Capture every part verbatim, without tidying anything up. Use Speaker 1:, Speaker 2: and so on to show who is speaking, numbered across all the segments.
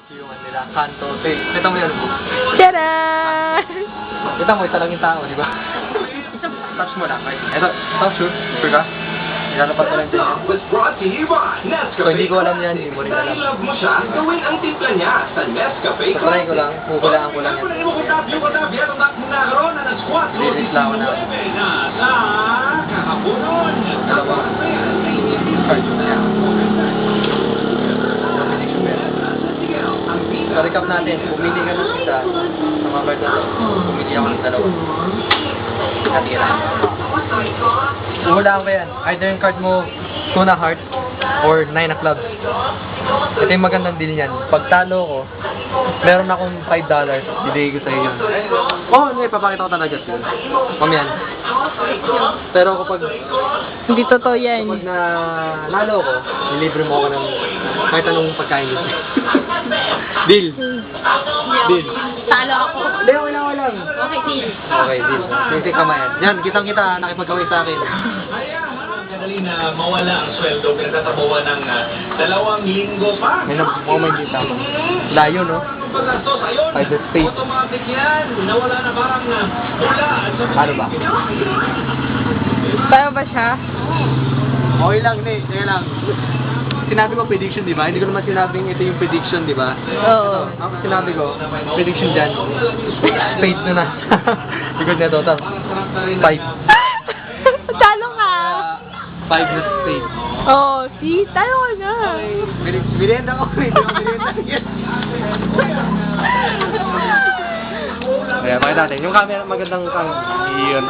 Speaker 1: Yung ano nila, kanto. Eh, kita mo yun.
Speaker 2: Tada!
Speaker 1: Kita mo, isa lang yung tao, di ba? Touch mo lang. Ito, touch sure. Sure ka? Ilalapat ko lang din yan.
Speaker 3: Was brought to you by Nescafe.
Speaker 1: So, hindi ko alam yan, hindi mo rin alam.
Speaker 3: Dahil love mo siya, gawin ang timpla niya sa Nescafe.
Speaker 1: So, try ko lang, kukulaan ko lang yan. Lilis lang ako na. Dalawa. Card niya. So, recap natin, pumili ka ng isa sa mga card na to. Pumili ako ng dalawa. Natira. Hulaan ko yan. Either yung card mo two na heart or nine na clubs. Ito yung magandang deal niyan. Pag talo ko, meron akong five dollars. Bibigay ko sa'yo yun. Oo, oh, hindi. Papakita ko talaga yun. Mamiyan. Pero kapag
Speaker 2: Hindi totoo yan.
Speaker 1: kapag na nalo ko, nilibre mo ako ng kahit anong pagkain dito. Deal. Deal.
Speaker 4: Talo ako.
Speaker 1: Hindi, wala, wala.
Speaker 4: Okay, deal.
Speaker 1: Okay, deal. Sige, kamayan. Yan, kitang-kita. Nakipagkawin sa akin.
Speaker 3: Madali na mawala ang sweldo, pinagtatabuhan ng uh, dalawang linggo pa.
Speaker 1: May na-moment dito. Layo, no?
Speaker 3: Pagkastos, ayun,
Speaker 1: By the state.
Speaker 3: automatic yan. Nawala na parang uh, mula.
Speaker 1: Ano ba?
Speaker 2: Tayo ba siya?
Speaker 1: Okay lang, hindi. Kaya lang. Sinabi ko prediction, di ba? Hindi ko naman sinabing ito yung prediction, di ba?
Speaker 2: Oo.
Speaker 1: Ang sinabi ko, prediction dyan. Fate na na. Likod na total. Five.
Speaker 2: Talo ka!
Speaker 1: Uh, five na fate.
Speaker 2: Oo, see? Talo ka na.
Speaker 1: Merienda ko. Hindi ko merienda. Kaya, pakita natin. Yung camera, magandang kang iyon.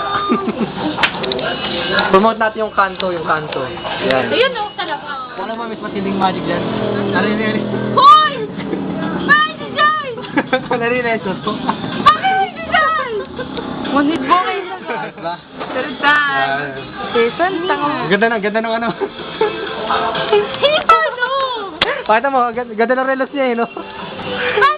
Speaker 1: Promote natin yung kanto, yung kanto. Yan.
Speaker 4: Ayun o, talaga.
Speaker 1: Kung ano mas matinding magic dyan. Narinig.
Speaker 4: Hoy! Bakit si Joy?
Speaker 1: Narinig.
Speaker 4: Bakit si Joy?
Speaker 2: Ngunit mo kayo na.
Speaker 1: Ayos ba?
Speaker 2: Tara, Jason, tanga mo.
Speaker 1: Ang Ganda na, ganda ng ano.
Speaker 4: Hindi pa ano?
Speaker 1: Pakita mo, ganda, ganda ng relos niya eh, no?
Speaker 4: Ay,